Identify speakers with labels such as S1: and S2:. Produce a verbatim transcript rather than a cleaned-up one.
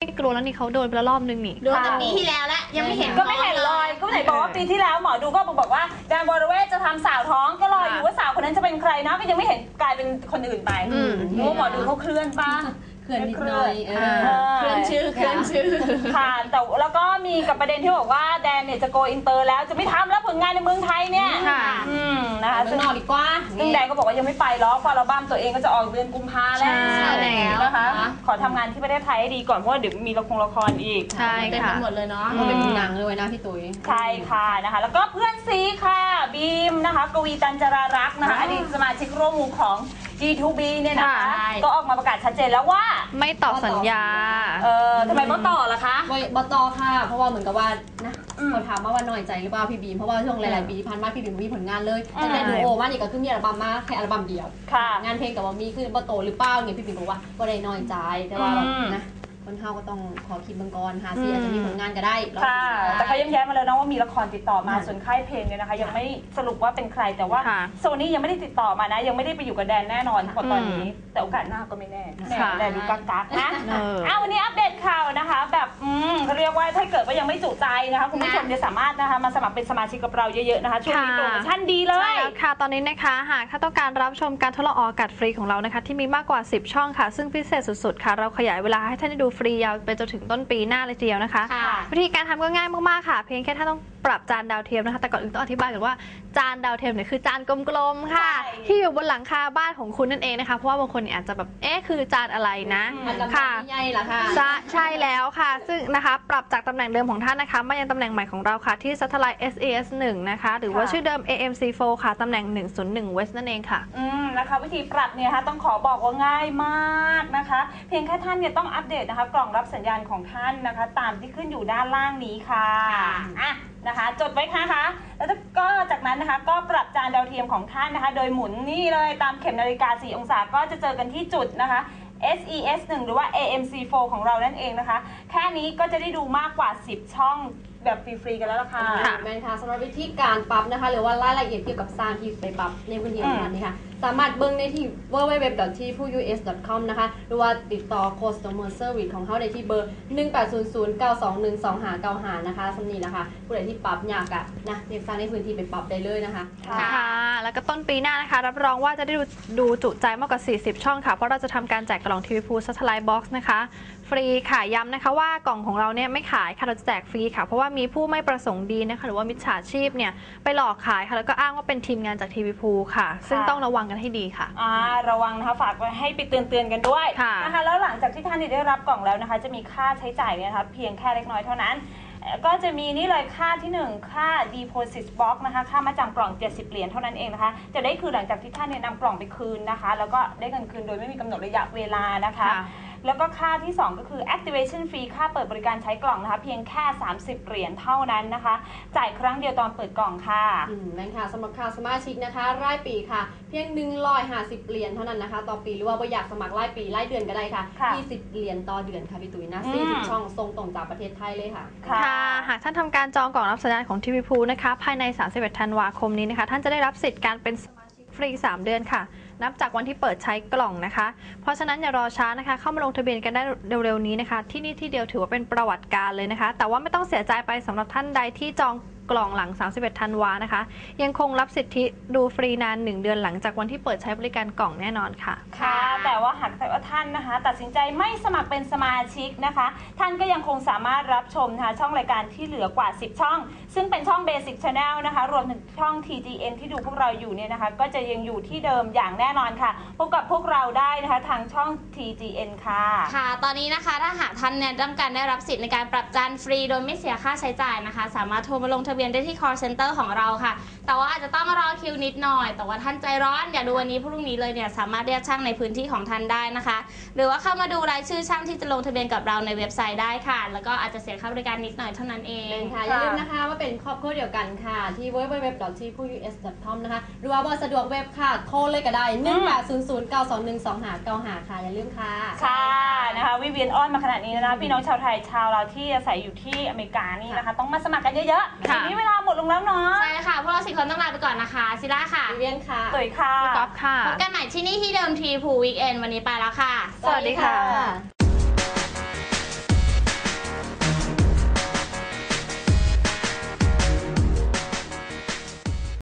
S1: กลัวแล้วนี่เขาโดนไปแล้วรอบนึงนี่
S2: โดนแต่ปีที่แล้วแล้วยังไม่เห็น
S3: ก็ไม่เห็นเลยก็ไหนบอกว่าปีที่แล้วหมอดูก็บอกว่าแดนวรเวทจะทำสาวท้องก็รออยู่ว่าสาวคนนั้นจะเป็นใครนะก็ยังไม่เห็นกลายเป็นคนอื่นไปเพราะหมอดูเขาเคลื่อนป้า
S2: เคลื่อนนิดหน่อยเคลื่อนชื่อเคลื่อนชื่อ
S3: ค่ะแต่แล้วก็มีกับประเด็นที่บอกว่าแดนเนี่ยจะโกอินเตอร์แล้วจะไม่ทำแล้วผลงานในเมืองไทยเนี่ยอืมนะคะ
S2: ซึ่งนอกดีกว่า
S3: ซึ่งแดนก็บอกว่ายังไม่ไปหรอกเพราะอัลบั้มตัวเองก็จะออกเดือนกุมภาแล้วนะคะขอทำงานที่ประเทศไทยให้ดีก่อนเพราะว่าเดี๋ยวมีละครละครอีก
S1: ใช่ค่ะ
S2: เป็นหมดเลยเนาะเป็นหนังเลยนะพี่ตุ๋ย
S3: ใช่ค่ะนะคะแล้วก็เพื่อนซีค่ะบีมนะคะกวีตันจรารักษ์นะคะอดีตสมาชิกร่วมวงของ จี ทู บี เนี่ยนะคะก็ออกมาประกาศชัดเจนแล้วว่า
S1: ไม่ต่อสัญญา
S3: เออทำไมไม่ต่อล่ะคะ
S2: บต่อค่ะเพราะว่าเหมือนกับว่านะเขาถามมาว่าน้อยใจหรือเปล่าพี่บีมเพราะว่าช่วงหลายๆปีที่ผ่านมาพี่บีมมีผลงานเลยแต่ในดูโอมานี่ก็คือมีอัลบั้มมาแค่อัลบั้มเดียวงานเพลงกับว่ามีคือบต่อหรือเปล่าเนี่ยพี่บีมบอกว่าก็ได้น้อยใจแต่ว่านะคนเฮาก็ต้องขอคิดบังกรหาซีอาจจะมีผลงานก็ได้
S3: ค่ะแต่เขาย้ำแย้มมาแล้วนะว่ามีละครติดต่อมาส่วนค่ายเพลงเนี่ยนะคะยังไม่สรุปว่าเป็นใครแต่ว่าโซนี่ยังไม่ได้ติดต่อมานะยังไม่ได้ไปอยู่กับแดนแน่นอนเพราะตอนนี้แต่โอกาสหน้าก็ไม่แน่แดนดูกักกักนะเอาวันนี้อัปเดตข่าวนะคะแบบอืมเขาเรียกว่าถ้าเกิดว่ายังไม่จุใจนะคะคุณผู้ชมจะสามารถนะคะมาสมัครเป็นสมาชิกกับเราเยอะๆนะคะช่วงนี้โปรโมชั่นดีเลย
S1: ใช่แล้วค่ะตอนนี้นะคะหากถ้าต้องการรับชมการทดลองออกอากาศฟรีของเรานะคะที่มีมากกว่าสิบช่องค่ะซึ่งพิเศษสุดๆค่ะเราขยายเวลาให้ท่านได้ดูฟรียาวไปจนถึงต้นปีหน้าเลยทีเดียวนะคะวิธีการทำก็ง่ายมากๆค่ะเพียงแค่ท่านต้องปรับจานดาวเทียมนะคะแต่ก่อนอื่นต้องอธิบายก่อนว่าจานดาวเทียมเนี่ยคือจานกลมๆค่ะที่อยู่บนหลังคาบ้านของคุณนั่นเองนะคะเพราะว่าบางคนอาจจะแบบเอ๊ะคือจานอะไรนะ
S2: ค่ะใหญ่เหรอคะ
S1: ใช่แล้วค่ะซึ่งนะคะปรับจากตำแหน่งเดิมของท่านนะคะมายังตำแหน่งใหม่ของเราค่ะที่ Satellite เอส เอ เอส หนึ่งนะคะหรือว่าชื่อเดิม เอ เอ็ม ซี โฟร์ ค่ะตำแหน่งหนึ่งศูนย์หนึ่ง West นั่นเองค่ะ
S3: อืมนะคะวิธีปรับเนี่ยนะคะต้องขอบอกว่าง่ายมากนะคะเพียงแค่ท่านเนี่ยต้องอัปเดตนะคะกล่องรับสัญญาณของท่านนะคะตามที่ขึ้นอยู่ด้านล่างนี้ค่ะอ่ะนะคะจดไว้ค่ะคะแล้วก็จากนั้นนะคะก็ปรับจานดาวเทียมของท่านนะคะโดยหมุนนี่เลยตามเข็มนาฬิกาสี่องศาก็จะเจอกันที่จุดนะคะ เอส อี เอส หนึ่ง หรือว่า เอ เอ็ม ซี โฟร์ ของเรานั่นเองนะคะแค่นี้ก็จะได้ดูมากกว่าสิบช่องแบบฟรีๆกันแล้วล่ะค่ะ
S2: แม่นค่ะสำหรับวิธีการปรับนะคะหรือว่ารายละเอียดเกี่ยวกับสร้างที่ไปปรับในพื้นที่ของท่านนี่ค่ะสามารถเบิ่งในที่ ดับเบิลยู ดับเบิลยู ดับเบิลยู ดอท ที พู ยู เอส ดอท คอม นะคะหรือว่าติดต่อ Customer Service ของเขาได้ที่เบอร์หนึ่ง แปด ศูนย์ ศูนย์ เก้า สอง หนึ่ง สอง ห้า เก้า ห้านะคะสำนีนะคะผู้ใดที่ปรับยากอะนะเรียกสร้างในพื้นที่ไปปรับได้เลยนะคะ
S1: ค่ะแล้วก็ต้นปีหน้านะคะรับรองว่าจะได้ดูดูจุใจมากกว่าสี่สิบช่องค่ะเพราะเราจะทำการแจกกล่องทีวีพู Satellite Box นะคะฟรีค่ะย้ำนะคะว่ากล่องของเราเนี่ยไม่ขายค่ะเราจะแจกฟรีค่ะเพราะว่ามีผู้ไม่ประสงค์ดีนะคะหรือว่ามิจฉาชีพเนี่ยไปหลอกขายค่ะแล้วก็อ้างว่าเป็นทีมงานจากทีวีพูค่ะซึ่งต้องระวังกันให้ดีค่ะ
S3: อ่าระวังนะคะฝากไว้ให้ไปเตือนเตือนกันด้วยนะคะแล้วหลังจากที่ท่านได้รับกล่องแล้วนะคะจะมีค่าใช้จ่ายเนี่ยนะคะเพียงแค่เล็กน้อยเท่านั้นก็จะมีนี่เลยค่าที่หนึ่งค่า deposit box นะคะค่ามาจำกล่องเจ็ดสิบเหรียญเท่านั้นเองนะคะจะได้คือหลังจากที่ท่านเนี่ยนำกล่องไปคืนนะคะแล้วก็ได้เงินคืนโดยไม่มีกำหนดระยะเวลานะคะแล้วก็ค่าที่สองก็คือ activation fee ค่าเปิดบริการใช้กล่องนะคะเพียงแค่สามสิบเหรียญเท่านั้นนะคะจ่ายครั้งเดียวตอนเปิดกล่องค่ะ
S2: อืมนั่นค่ะสำหรับค่าสมาชิกนะคะรายปีค่ะเพียงหนึ่งร้อยห้าสิบเหรียญเท่านั้นนะคะต่อปีหรือว่าอยากสมัครรายปีรายเดือนก็ได้ค่ะยี่สิบเหรียญต่อเดือนค่ะพี่ตุ๋ยนะสี่สิบช่องส่งตรงจากประเทศไทยเลยค่ะ
S1: ค่ะหากท่านทำการจองกล่องรับสัญญาณของทีวีพูนะคะภายในสามสิบเอ็ดธันวาคมนี้นะคะท่านจะได้รับสิทธิ์การเป็นสมาชิกฟรีสามเดือนค่ะนับจากวันที่เปิดใช้กล่องนะคะเพราะฉะนั้นอย่ารอช้านะคะเข้ามาลงทะเบียนกันได้เร็วๆนี้นะคะที่นี่ที่เดียวถือว่าเป็นประวัติการเลยนะคะแต่ว่าไม่ต้องเสียใจไปสำหรับท่านใดที่จองกล่องหลังสามสิบเอ็ดธันวานะคะยังคงรับสิทธิดูฟรีนานหนึ่งเดือนหลังจากวันที่เปิดใช้บริการกล่องแน่นอนค่ะ
S3: ค่ะแต่ว่าหากแต่ว่าท่านนะคะตัดสินใจไม่สมัครเป็นสมาชิกนะคะท่านก็ยังคงสามารถรับชมนะคะช่องรายการที่เหลือกว่าสิบช่องซึ่งเป็นช่อง Basic Channel นะคะรวมถึงช่อง ที จี เอ็น ที่ดูพวกเราอยู่เนี่ยนะคะก็จะยังอยู่ที่เดิมอย่างแน่นอนค่ะพบกับพวกเราได้นะคะทางช่อง ที จี เอ็น ค่ะ
S4: ค่ะตอนนี้นะคะถ้าหากท่านเนี่ยต้องการได้รับสิทธิ์ในการปรับจานฟรีโดยไม่เสียค่าใช้จ่ายนะคะสามารถโทรมาลงทะเบียนได้ที่ call center ของเราค่ะแต่ว่าอาจจะต้องรอคิวนิดหน่อยแต่ว่าท่านใจร้อนอยากดูวันนี้พรุ่งนี้เลยเนี่ยสามารถเรียกช่างในพื้นที่ของท่านได้นะคะหรือว่าเข้ามาดูรายชื่อช่างที่จะลงทะเบียนกับเราในเว็บไซต์ได้ค่ะแล้วก็อาจจะเสียค่าบริการนิดหน่อยเท่านั้นเอง
S2: ค่ะอย่าลืมนะคะว่าเป็นครอบครัวเดียวกันค่ะที่ ดับเบิลยู ดับเบิลยู ดับเบิลยู ดอท ที พู ยู เอส ดอท คอม นะคะหรือว่าเบอร์สะดวกเว็บค่ะโทรเลยก็ได้หนึ่ง แปด ศูนย์ ศูนย์ เก้า สอง หนึ่ง สอง ห้า เก้า ห้าค่ะอย่าลืมค่ะ
S3: ค่ะนะคะวิเวียนอ้อนมาขนาดนี้นะคะพี่น้องชาวไทยชาวเราที่อาศัยอยู่ที่อเมริกานี่นะคะต้องมาสมัครกันเยอะๆทีนี้เวลาหมดลงแล้วเนาะ
S4: ใช่ค่ะพวกเราสี่คนต้องลาไปก่อนนะคะซิล่าค่ะ
S2: วิเวียนค่ะ
S3: ตุ๋ยค่ะ
S1: ก๊อฟค่ะ
S4: พบกันใหม่ที่นี่ที่เดิมทีพูวีคเอนวันนี้ไปแล้วค่ะ
S1: สวัสดีค่ะ